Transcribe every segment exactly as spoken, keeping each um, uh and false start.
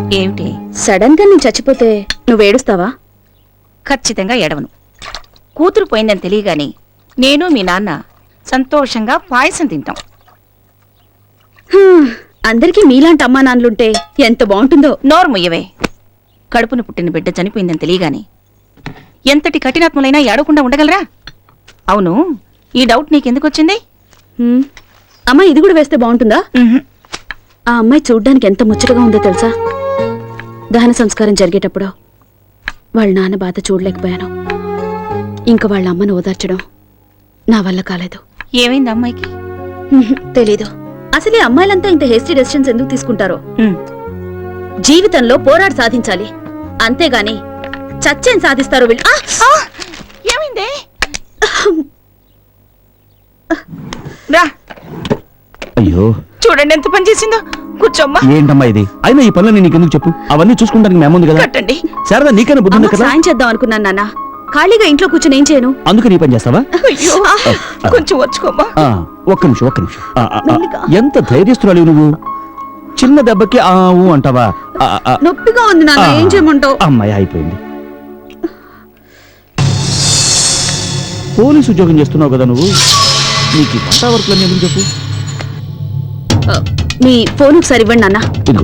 ఏమిటి? సడన్ గా నేను చచ్చిపోతే నువ్వు ఏడుస్తావా? ఖచ్చితంగా ఎడవను. కూతురు పోయిందని తెలియగాని నేను మీ నాన్న సంతోషంగా పాయసం తింటాం. హ్మ్, అందరికీ మీలాంటి అమ్మా నాన్నలుంటే ఎంత బాగుంటుందో. నోరు ముయ్యవే. కడుపును పుట్టిన బిడ్డ చనిపోయిందని తెలియగాని ఎంతటి కఠినాత్ములైనా ఏడవకుండా ఉండగలరా? అవును, ఈ డౌట్ నీకెందుకు వచ్చింది? హ్మ్, అమ్మా ఇది కూడా వేస్తే బాగుంటుందా? ఉహుం. ఆ అమ్మాయి చూడ్డానికి ఎంత ముచ్చటగా ఉందో తెలుసా? దహన సంస్కారం జరిగేటప్పుడు వాళ్ళ నాన్న బాధ చూడలేకపోయాను. ఇంకా వాళ్ళ అమ్మను ఓదార్చడం నా వల్ల కాలేదు. ఏమైంది అమ్మాయికి? హ్మ్, తెలీదు. అసలు ఈ అమ్మాయిలంతా ఇంత హేస్టీ డెసిషన్స్ ఎందుకు తీసుకుంటారో. ఉమ్. జీవితంలో పోరాడి సాధించాలి, అంతేగాని చచ్చేం సాధిస్తారో వీళ్ళు. ఆ! ఆ! ఏమైంది? రా, అయ్యో చూడండి ఎంత పని చేసిందో. కూర్చోమ్మా. ఏంటమ్మా ఇది? అయినా ఈ పనులు నీకెందుకు చెప్పు? అవన్నీ చూసుకుంటానికి మేముంది కదా. కట్టండి. శారదా నీకైనా బుద్ధి ఉంది అమ్మకు కదా. సాయం చేద్దాం అనుకున్నాను నాన్న. ఖాళీగా ఇంట్లో కూర్చొని ఏం చేయను? అందుకు నీ పని చేస్తావా? అయ్యో, కొంచెం వచ్చుకోమ్మా. ఆ, ఒక్క నిమిషం ఒక్క నిమిషం. ఆ, ఆ, ఆ, మెల్లిగా. ఎంత ధైర్యస్తురాలి నువ్వు. చిన్న దెబ్బకి ఆ ఊ అంటావా? ఆ, ఆ, నొప్పిగా ఉంది నాన్న, ఆ. ఏం చేయమంటావు? అమ్మాయి అయిపోయింది. పోలీసు ఉద్యోగం చేస్తున్నావు కదా నువ్వు. నీకు ఈ వంట వర్క్లన్నీ ఎందుకు చెప్పు? ఆ, మీ ఫోన్ ఒకసారి ఇవ్వండి నాన్న. ఇదిగో.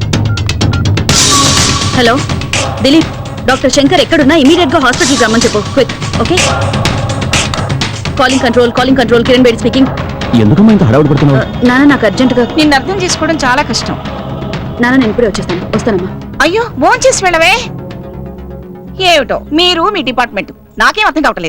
హలో దిలీప్, డాక్టర్ శంకర్ ఎక్కడున్నా ఇమీడియట్ గా హాస్పిటల్కి రమ్మని చెప్పు. Quick. Okay. Calling control calling control Kiran Bedi speaking. ఎందుకమ్మా ఇంత హడావుడి పడుతున్నావు? నాన్న నాకు అర్జెంటుగా. నిన్ను అర్థం చేసుకోవడం చాలా కష్టం. నాన్న నేను ఇప్పుడే వచ్చేస్తాను. వస్తానమ్మా. అయ్యో, భోంచేసి వెళ్ళవే. ఏమిటో మీరు మీ డిపార్ట్మెంట్ నాకేం అర్థం కావట్లేదు.